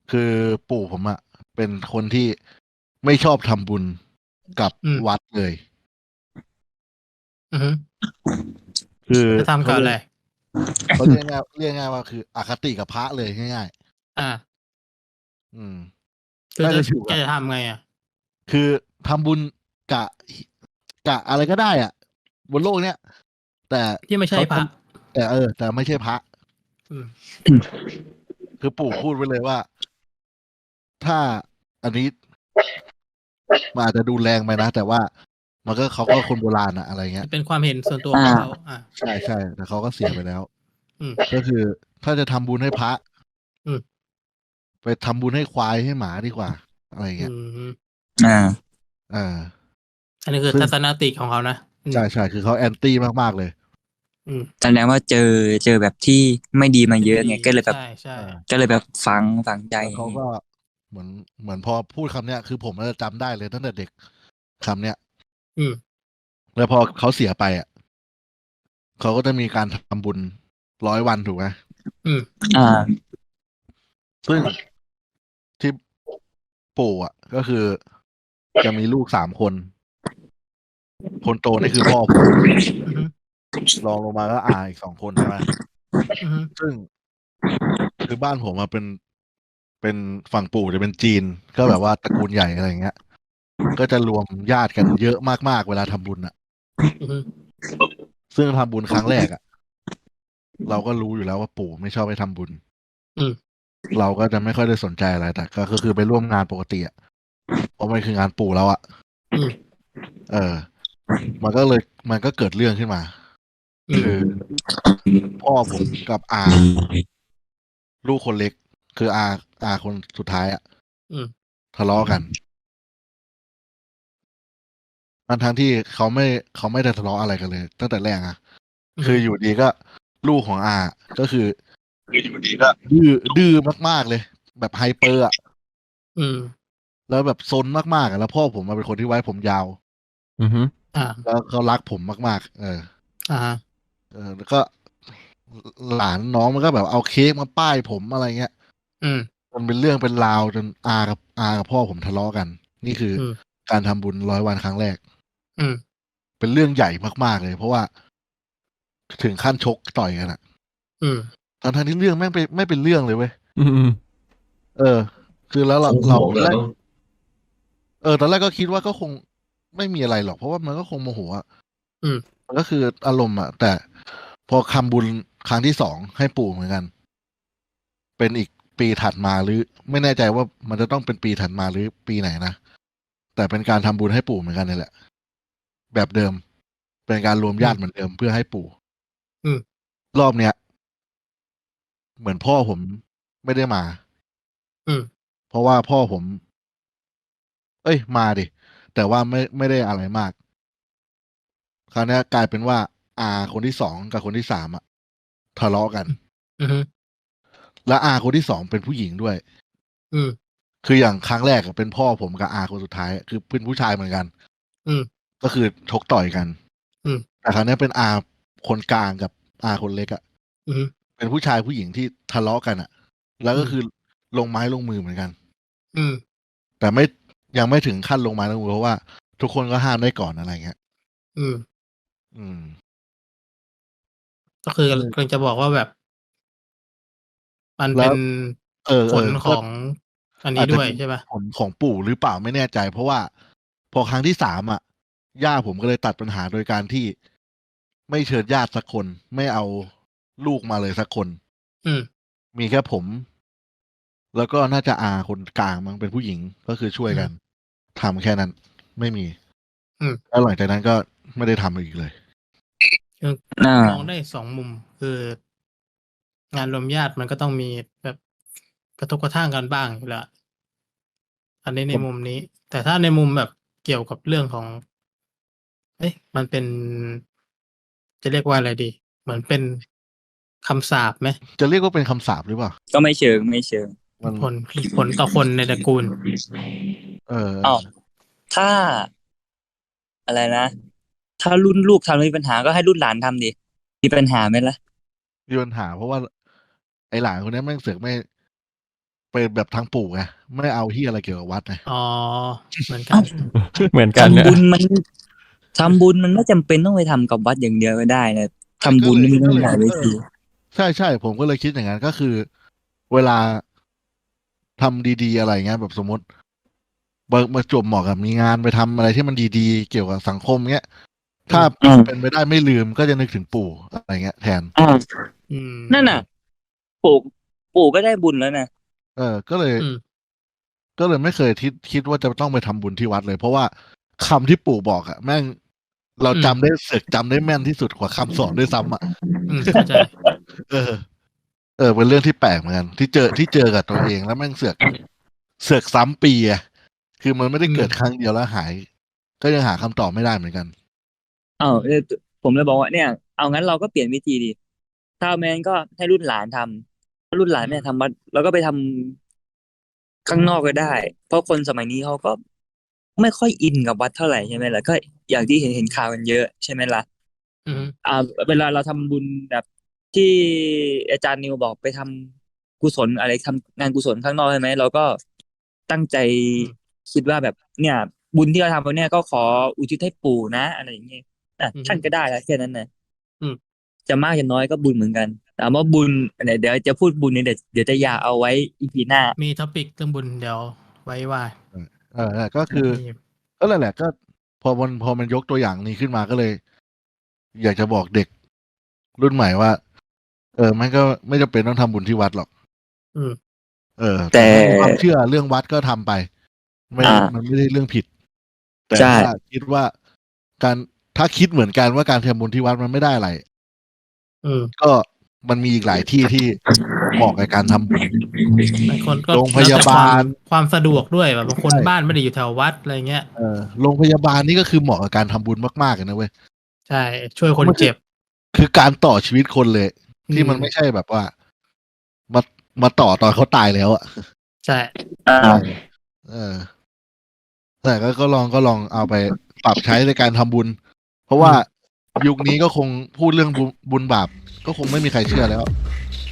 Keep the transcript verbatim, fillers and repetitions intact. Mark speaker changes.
Speaker 1: คือปู่ผมอะเป็นคนที่ไม่ชอบทำบุญกับ
Speaker 2: อืม
Speaker 1: วัดเลย
Speaker 2: อือฮึ
Speaker 1: คือ
Speaker 2: จะทำ
Speaker 1: เขา
Speaker 2: กับ
Speaker 1: เรี
Speaker 2: อะ
Speaker 1: ย
Speaker 2: ไร
Speaker 1: กเขาเรียกง่ายเรียกง่ายว่าคืออคติกับพระเลยง่าย
Speaker 2: อา
Speaker 1: ๆ อืม
Speaker 2: คือ จะ
Speaker 1: น่าจะอยู่
Speaker 2: แก
Speaker 1: กับ
Speaker 2: จะทำไงอะ?
Speaker 1: คือทำบุญกะ หิ กะอะไรก็ได้อะบนโลกเนี้ย แต่
Speaker 2: ที่ไม่ใ
Speaker 1: เ
Speaker 2: ช
Speaker 1: ข่าท
Speaker 2: พระ
Speaker 1: ำ แต่ เออ แต่ไม่ใช่พระ
Speaker 2: อืม
Speaker 1: คือปู่พูดไว้เลยว่า ถ้าอันนี้ มันอาจจะดูแรงไปนะ แต่ว่ามันก็ เขาก็คนโบราณอะ อะไรเงี้
Speaker 2: มั
Speaker 1: ย
Speaker 2: นเป็นความเห็นส่วนตัว
Speaker 3: อ
Speaker 2: ของ
Speaker 3: า
Speaker 2: เขา อา
Speaker 1: ใช่ ๆ แต่เขาก็เสียไปแล้ว
Speaker 2: อืม
Speaker 1: ก็คือถ้าจะทำบุญให้พระ
Speaker 2: อืม
Speaker 1: ไปทำบุญให้ควายให้หมาดีกว่า อะไรอย่าง
Speaker 2: อ
Speaker 1: เ
Speaker 2: ื
Speaker 1: งี้ย
Speaker 2: ม
Speaker 3: อา
Speaker 1: อา
Speaker 2: อันนี้คือ
Speaker 1: ซึ่ง
Speaker 2: ทัศนคติของเขานะ อื
Speaker 1: ใ
Speaker 2: ม
Speaker 1: ช่ ๆ คือเขา Anti มาก ๆ เลย
Speaker 2: อืม
Speaker 3: แสดงว่าเจอ เจอแบบที่ไม่ดีมา
Speaker 2: ที่
Speaker 3: เย
Speaker 2: ไ
Speaker 3: อ
Speaker 2: ม่
Speaker 3: ะ
Speaker 2: ด
Speaker 3: ไง
Speaker 2: ี
Speaker 3: ก็เลยแ
Speaker 2: ใ
Speaker 3: บบ
Speaker 2: ช่
Speaker 1: เออ
Speaker 2: ๆ
Speaker 3: ก็เลยแบบฝัง ฝังใจ
Speaker 1: แล้วเขาก็เหมือน เหมือนพอพูดคำเนี้ย คือผมอะจะจำได้เลยตั้งแต่เด็ก คำเนี้ย
Speaker 2: อืม
Speaker 1: แล้วพอเขาเสียไปอะ เขาก็จะมีการทำบุญ ร้อย วัน ถูกไหม?
Speaker 2: อืม
Speaker 3: อา
Speaker 1: ซึ่ง ที่ ปู่อะ ก็คือจะมีลูก สาม คน คนโตนี่คือพ่อผม
Speaker 2: อือฮึ
Speaker 1: รองลงมาก็อาอีก สอง คน ใช่ไหม
Speaker 2: อือฮึ
Speaker 1: ซึ่ง คือบ้านผมอะเป็น เป็น ฝั่งปู่จะเป็นจีน ก็แบบว่าตระกูลใหญ่ อะไรอย่างเงี้ย ก็จะรวมญาติกันเยอะมาก ๆ เวลาทำบุญน่ะ
Speaker 2: อือฮึ
Speaker 1: ซึ่งทำบุญครั้งแรกอะ เราก็รู้อยู่แล้วว่าปู่ไม่ชอบให้ทำบุญ
Speaker 2: อืม
Speaker 1: เราก็จะไม่ค่อยได้สนใจอะไร แต่ก็ ก็คือไปร่วมงานปกติอะ เพราะมันคืองานปู่เราอะ
Speaker 2: อืม
Speaker 1: เออ มันก็เลย มันก็เกิดเรื่องขึ้นมา
Speaker 2: อืม
Speaker 1: คือ พ่อผมกับอา ลูกคนเล็ก คืออา อาคนสุดท้ายอะ
Speaker 2: อืม
Speaker 1: ทะเลาะกัน ทั้ง ๆ ที่เขาไม่ เขาไม่ได้ทะเลาะอะไรกันเลยตั้งแต่แรกนะ
Speaker 2: อือ
Speaker 1: ค
Speaker 2: ฮืึ
Speaker 1: ออยู่ดี ๆ ก็ ลูกของอาอะ ก็คือ คืออยู่ดี ๆ ก็ดื้อ ดื้อมาก ๆ เลย แบบ hyper อะ
Speaker 2: อืม
Speaker 1: แล้วแบบซนมาก ๆ อะ แล้วพ่อผมอะเป็นคนที่ไว้ผมยาว
Speaker 4: อือฮึ
Speaker 2: อา
Speaker 1: แล้วเขารักผมมาก ๆ เออ
Speaker 2: อะฮะ
Speaker 1: เออ แล้วก็ ห หลานน้องมันก็แบบเอาเค้กมาป้ายผม อะไรเงี้ย
Speaker 2: อืม
Speaker 1: จนเป็นเรื่องเป็นราวจนอากับ อากับพ่อผมทะเลาะกัน นี่คือ
Speaker 2: อืม
Speaker 1: การทำบุญ ร้อย วันครั้งแรก
Speaker 2: อืม
Speaker 1: เป็นเรื่องใหญ่มาก ๆ เลย เพราะว่า ถึงขั้นชกต่อยกันอะ
Speaker 2: อืม
Speaker 1: ทั้ง ๆ ที่เรื่องแม่งไป ไม่เป็นเรื่องเลยเว้ย
Speaker 4: อืม
Speaker 1: เออ คือแล้วเรา เรา ตอนแรก เออ ตอนแรกก็คิดว่าก็คงไม่มีอะไรหรอก เพราะว่ามันก็คงโมโหอะ
Speaker 2: อืม
Speaker 1: มันก็คืออารมณ์อะ แต่พอคำบุญครั้งที่ สอง ให้ปู่เหมือนกัน เป็นอีกปีถัดมา หรือไม่แน่ใจว่ามันจะต้องเป็นปีถัดมาหรือปีไหนนะ แต่เป็นการทำบุญให้ปู่เหมือนกันเนี่ยแหละ แบบเดิม เป็นการรวม
Speaker 2: อืม
Speaker 1: ญาติเหมือนเดิมเพื่อให้ปู่
Speaker 2: อืม
Speaker 1: รอบเนี้ย เหมือนพ่อผมไม่ได้มา
Speaker 2: อืม
Speaker 1: เพราะว่าพ่อผม เอ๊ย มาดิ แต่ว่าไม่ ไม่ได้อะไรมาก คราวเนี้ยกลายเป็นว่า อาคนที่ สอง กับคนที่ สาม อะ ทะเลาะกัน
Speaker 2: อือ อือฮึ
Speaker 1: แล้วอาคนที่ สอง เป็นผู้หญิงด้วย
Speaker 2: อืม
Speaker 1: คืออย่างครั้งแรกอะเป็นพ่อผมกับอาคนสุดท้าย คือเป็นผู้ชายเหมือนกัน
Speaker 2: อืม
Speaker 1: ก็คือชกต่อยกัน
Speaker 2: อืม
Speaker 1: แต่คราวเนี้ยเป็นอาคนกลางกับอาคนเล็กอะ
Speaker 2: อือฮึ
Speaker 1: เป็นผู้ชายผู้หญิงที่ทะเลาะกันอะ แล้ว
Speaker 2: อืม
Speaker 1: ก็คือลงไม้ลงมือเหมือนกัน
Speaker 2: อืม
Speaker 1: แต่ไม่ ยังไม่ถึงขั้นลงไม้ลงมือ เพราะว่าทุกคนก็ห้ามได้ก่อน อะไรเงี้ย
Speaker 2: อืม
Speaker 1: อืม
Speaker 2: ก็คือ
Speaker 1: เ
Speaker 2: ก
Speaker 1: ออ
Speaker 2: กำลังจะบอกว่าแบบ มัน
Speaker 1: แ
Speaker 2: เ
Speaker 1: ล
Speaker 2: ป็
Speaker 1: ้ว
Speaker 2: น
Speaker 1: เออ ๆ
Speaker 2: ผลข
Speaker 1: ก็
Speaker 2: องอันน
Speaker 1: อี้าจจ
Speaker 2: ด
Speaker 1: ะ
Speaker 2: ้วย
Speaker 1: เป็น
Speaker 2: ใช่เปล่า?
Speaker 1: ผลของปู่หรือเปล่าไม่แน่ใจ เพราะว่าพอครั้งที่ สาม อะ ย่าผมก็เลยตัดปัญหาโดยการที่ไม่เชิญญาติสักคน ไม่เอาลูกมาเลยสักคน
Speaker 2: อืม
Speaker 1: มีแค่ผม แล้วก็น่าจะอาคนกลางมั้ง เป็นผู้หญิง ก็คือช่วยกัน
Speaker 2: อืม
Speaker 1: ทำแค่นั้น ไม่มี
Speaker 2: อืม
Speaker 1: แล้วหลังจากนั้นก็ไม่ได้ทำอีกเลย
Speaker 2: คือ
Speaker 3: อา
Speaker 2: มองได้ สอง มุม คือ งานรวมญาติมันก็ต้องมีแบบกระทบกระทั่งกันบ้างอยู่แล้ว อันนี้ใน
Speaker 1: ผม
Speaker 2: มุมนี้ แต่ถ้าในมุมแบบเกี่ยวกับเรื่องของ เอ๊ะ มันเป็น จะเรียกว่าอะไรดี เหมือนเป็นคำสาปไหม?
Speaker 1: จะเรียกว่าเป็นคำสาปหรือเปล่า?
Speaker 3: ก็ไม่เชิง ไม่เชิง
Speaker 1: มัน
Speaker 2: ผล มีผลต่อคนในตระกูล
Speaker 1: เออ
Speaker 3: อ้าว ถ้า อะไรนะ ถ้ารุ่นลูกทำแล้วมีปัญหา ก็ให้รุ่นหลานทำดิ มีปัญหาไหมล่ะ?
Speaker 1: มีปัญหา เพราะว่า ไอ้หลานคนเนี้ยแม่งเสือกไม่เป็นแบบทางปู่ไงไม่เอาที่อะไรเกี่ยวกับวัดไง
Speaker 2: อ๋อเหมือนกัน
Speaker 4: เหมือนกัน
Speaker 3: ทำ
Speaker 4: เนี่ย
Speaker 3: บุญมันทำบุญมันไม่จำเป็นต้องไปทำกับวัดอย่างเดียวก็ได้นะทำบุญนี่มันต้องหลายเวที
Speaker 1: ใช่ใช่ผมก็เลยคิดอย่างนั้นก็คือ เวลาทำดีๆอะไรเงี้ยแบบสมมติบมาจบเหมาะกับมีงานไปทำอะไรที่มันดีๆ เกี่ยวกับสังคมเงี้ย ถ้า
Speaker 3: อืม
Speaker 1: เป็นไปได้ไม่ลืมก็จะนึกถึงปู่อะไรเงี้ยแทน
Speaker 3: อ่า
Speaker 2: อืม
Speaker 3: นั่นน่ะ ปู่ปู่ก็ได้บุญแล้วนะ
Speaker 1: เออ ก็เลย
Speaker 2: อืม
Speaker 1: ก็เลยไม่เคยคิดคิดว่าจะต้องไปทำบุญที่วัดเลย เพราะว่าคำที่ปู่บอกอะแม่งเรา
Speaker 2: อืม
Speaker 1: จำได้เสือกจำได้แม่นที่สุดกว่าคำสอนด้วยซ้ำอะ
Speaker 2: อืมเข้าใจ
Speaker 1: เออ เออ เป็นเรื่องที่แปลกเหมือนกัน ที่เจอที่เจอกับตัวเองแล้วแม่งเสือกเสือกซ้ำปีอะคือมันไม่ได้เกิด
Speaker 2: อืม
Speaker 1: ครั้งเดียวแล้วหาย ก็ยังหาคำตอบไม่ได้เหมือนกัน
Speaker 3: เอ้าเออผมเลยบอกว่าเนี่ยเอางั้นเราก็เปลี่ยนวิธีดีถ้าแมนก็ให้รุ่นหลานทำถ้ารุ่นหลานไม่ทำวัดเราก็ไปทำข้างนอกก็ได้ เพราะคนสมัยนี้เขาก็ไม่ค่อยอินกับวัดเท่าไหร่ใช่ไหมล่ะก็อย่างที่เห็นเห็นข่าวกันเยอะใช่ไหมล่ะ
Speaker 2: อืม
Speaker 3: อ่าเวลาเราทำบุญแบบที่อาจารย์นิวบอกไปทำกุศลอะไรทำงานกุศลข้างนอกใช่ไหมเราก็ตั้งใจ
Speaker 2: อืม
Speaker 3: คิดว่าแบบเนี่ย บุญที่เราทำไปเนี่ยก็ขออุทิศให้ปู่นะอะไรอย่างเงี้ยอ่ะ
Speaker 2: อืม
Speaker 3: ท่านก็ได้แล้วแค่นั้นนะ
Speaker 2: อืม
Speaker 3: จะมากจะน้อยก็บุญเหมือนกันแต่ว่าบุญเนี่ยเดี๋ยวจะพูดบุญเนี่ยเดี๋ยวเดี๋ยวจะอยากเอาไว้อีพีหน้า
Speaker 2: มีท็อปิกเรื่องบุญเดี๋ยวไว้ว่า
Speaker 1: เออนั่นแหละก็คือ
Speaker 2: มี
Speaker 1: ก็นั่นแหละก็ พอมันพอมันยกตัวอย่างนี้ขึ้นมาก็เลย อยากจะบอกเด็กรุ่นใหม่ว่า เออมันก็ไม่จำเป็นต้องทำบุญที่วัดหรอก
Speaker 2: อืม
Speaker 1: เออ
Speaker 3: แต่
Speaker 1: ถ้ามีความเชื่อเรื่องวัดก็ทำไป ไม่
Speaker 3: อ่า
Speaker 1: มันไม่ได้เรื่องผิด แต่
Speaker 3: ใช่
Speaker 1: ถ้าคิดว่าการถ้าคิดเหมือนกันว่าการทำบุญที่วัดมันไม่ได้อะไร
Speaker 2: อืม
Speaker 1: ก็มันมีอีกหลายที่ที่เหมาะกับการทำบุญ
Speaker 2: บางคนก็
Speaker 1: โรงพยาบาล
Speaker 2: แล้วแต่ความความสะดวกด้วยแบบบางคน
Speaker 1: ใช่
Speaker 2: บ้านไม่ได้อยู่แถววัดอะไรเงี้ย
Speaker 1: เออโรงพยาบาลนี่ก็คือเหมาะกับการทำบุญมากๆเลยนะเว้ย
Speaker 2: ใช่ ช่วยคนเจ็บ
Speaker 1: คือการต่อชีวิตคนเลย ที่
Speaker 2: อืม
Speaker 1: มันไม่ใช่แบบว่า มามาต่อตอนเขาตายแล้วอะ
Speaker 2: ใช่
Speaker 3: อ่า
Speaker 1: เออ แต่ก็ก็ลองก็ลองเอาไปปรับใช้ในการทำบุญ เพราะว่ายุคนี้ก็คงพูดเรื่องบุญบุญบาปก็คงไม่มีใครเชื่อแล้ว